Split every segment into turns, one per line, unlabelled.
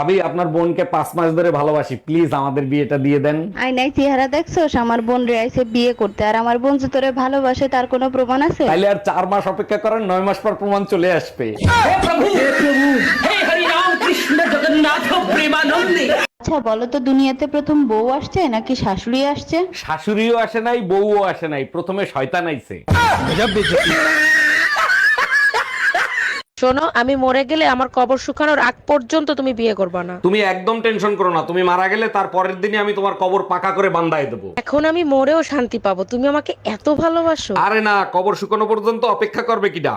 ভাবি আপনার বোনকে 5 মাস ধরে ভালোবাসি, প্লিজ আমাদের বিয়েটা দিয়ে দেন।
আয়নায় চেহারা দেখছোস? আমার বোন রে আইছে বিয়ে করতে, আর আমার বোন যে তোরে ভালোবাসে তার কোনো প্রমাণ আছে?
তাইলে আর 4 মাস অপেক্ষা করেন, 9 মাস পর প্রমাণ চলে আসবে।
আচ্ছা বলো তো, দুনিয়াতে প্রথম বউ আসছে নাকি শাশুড়ি আসছে?
শাশুড়িও আসে নাই, বউও আসে নাই, প্রথমে শয়তান আইছে।
শোনো, আমি মরে গেলে আমার কবর শুকানোর আগ পর্যন্ত তুমি বিয়ে করবে না।
তুমি একদম টেনশন করো না, তুমি মারা গেলে তার পরের দিনই আমি তোমার কবর পাকা করে বান্ধায় দেবো।
এখন আমি মরেও শান্তি পাবো, তুমি আমাকে এত ভালোবাসো।
আরে না, কবর শুকানো পর্যন্ত অপেক্ষা করবে কিডা?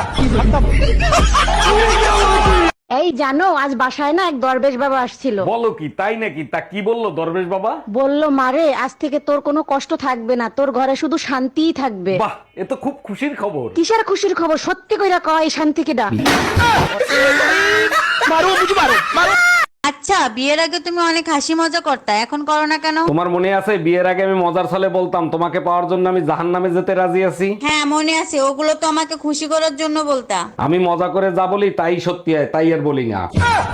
এই জানো, আজ বাসায় না এক দরবেশ বাবা আসছিল।
বলো কি, তাই নাকি? তা কি বললো দরবেশ বাবা?
বলল, মারে আজ থেকে তোর কোনো কষ্ট থাকবে না, তোর ঘরে শুধু শান্তিই থাকবে।
বাহ, এ তো খুব খুশির খবর।
কিসের খুশির খবর? সত্যি কইরা কয়, এই শান্তিকে ডাক।
আচ্ছা, বিয়ের আগে তুমি অনেক হাসি মজা করতা, এখন করো না কেন?
তোমার মনে আছে বিয়ের আগে আমি মজার ছলে বলতাম তোমাকে পাওয়ার জন্য আমি জাহান্নামে যেতে রাজি আছি?
হ্যাঁ মনে আছে, ওগুলো তো আমাকে খুশি করার জন্য বলতা।
আমি মজা করে যা বলি তাই সত্যি হয়, তাই আর বলি না।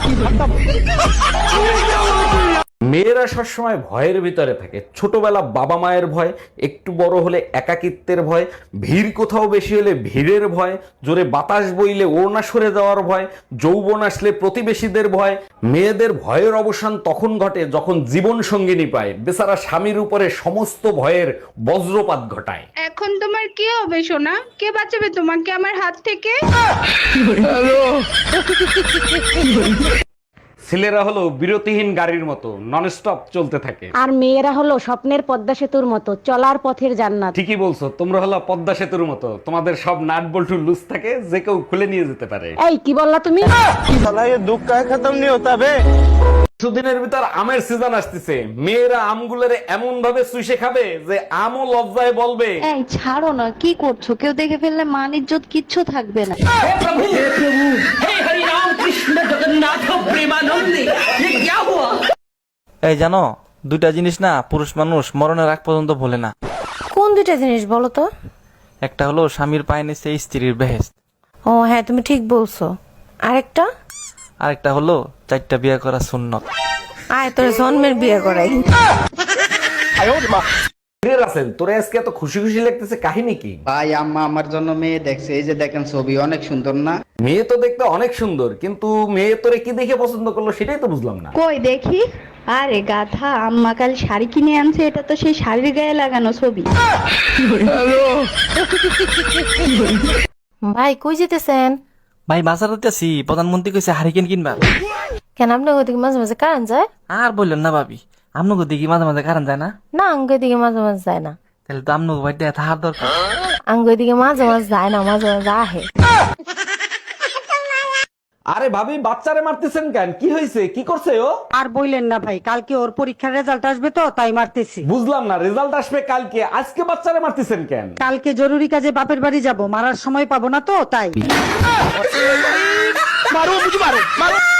মেয়েরা সবসময় ভয়ের ভিতরে থাকে। ছোটবেলা বাবা মায়ের ভয়, একটু বড় হলে একাকিত্বের ভয়, ভিড় কোথাও বেশি হলে ভিড়ের ভয়, জোরে বাতাস বইলে ওড়না সরে যাওয়ার ভয়, যৌবন আসলে প্রতিবেশীদের ভয়। মেয়েদের ভয়ের অবসান তখন ঘটে যখন জীবন সঙ্গিনী পায়, বেচারা স্বামীর উপরে সমস্ত ভয়ের বজ্রপাত ঘটায়।
এখন তোমার কি হবে সোনা? কে বাঁচাবে তোমাকে আমার হাত থেকে?
ছেলেরা হলো বিরতিহীন গাড়ির মতো, নন স্টপ চলতে থাকে।
আর মেয়েরা হলো স্বপ্নের পদ্মা সেতুর মতো, চলার পথের জান্নাত।
ঠিকই বলছো, তোমরা হলো পদ্মা সেতুর মতো, তোমাদের সব নাট বল্টু লুজ থাকে, যে কেউ খুলে নিয়ে যেতে পারে।
এই কি বললা তুমি?
কিছুদিনের ভিতর আমের সিজন আসতেছে, মেয়েরা আমগুলোরে এমন ভাবে চুষে খাবে যে আমও লজ্জায় বলবে।
এই ছাড়ো না, কি করছো? কেউ দেখে ফেললে মান ইজ্জত কিচ্ছু থাকবে না।
এই জানো, দুইটা জিনিস না পুরুষ মানুষ মরণের আগ পর্যন্ত ভোলে না।
কোন দুইটা জিনিস বলো তো?
একটা হলো স্বামীর পায়ে নিচে স্ত্রীর বেহেশত,
ও হ্যাঁ, তুমি ঠিক বলছো। আরেকটা?
আরেকটা হলো 4টা বিয়ে করা সুন্নত।
আয় তোর জন্মের বিয়ে করাই।
আছেন তোরে আজকে এত খুশি খুশি লাগতেছে, কাহিনী কি?
ভাই আম্মা আমার জন্য মেয়ে দেখছে, এই যে দেখেন ছবি অনেক সুন্দর না?
মেয়ে তো দেখতে অনেক সুন্দর, কিন্তু মেয়ে তোরে কি দেখে পছন্দ করলো সেটাই তো বুঝলাম না।
কই দেখি। আরে গাধা, আম্মা কাল শাড়ি কিনে আনছে, এটা তো সেই শাড়ির গায়ে লাগানো ছবি।
ভাই কই যেতেছেন?
ভাই বাজারে আছি, প্রধানমন্ত্রী কইছে হারিকেন কিনবা।
কেন আপনার ওদিকে মাঝে মাঝে কারেন্ট যায়?
আর বললেন না ভাবি, আপনাকে দেখি মাঝে মাঝে কারণ যায় না।
না, আঙ্গুর দিকে মাঝে মাঝে যায় না।
তাহলে তো আপনাকে বাড়িতে থাকার দরকার।
আঙ্গুর দিকে মাঝে মাঝে যায় না, মাঝে মাঝে আহে।
আরে ভাবি, বাচ্চারে মারতেছেন কেন? কি হয়েছে? কি করছে ও?
আর বইলেন না ভাই, কালকে ওর পরীক্ষার রেজাল্ট আসবে তো তাই মারতেছি।
বুঝলাম না, রেজাল্ট আসবে কালকে, আজকে বাচ্চারে মারতেছেন কেন?
কালকে জরুরি কাজে বাপের বাড়ি যাব, মারার সময় পাবো না তো তাই।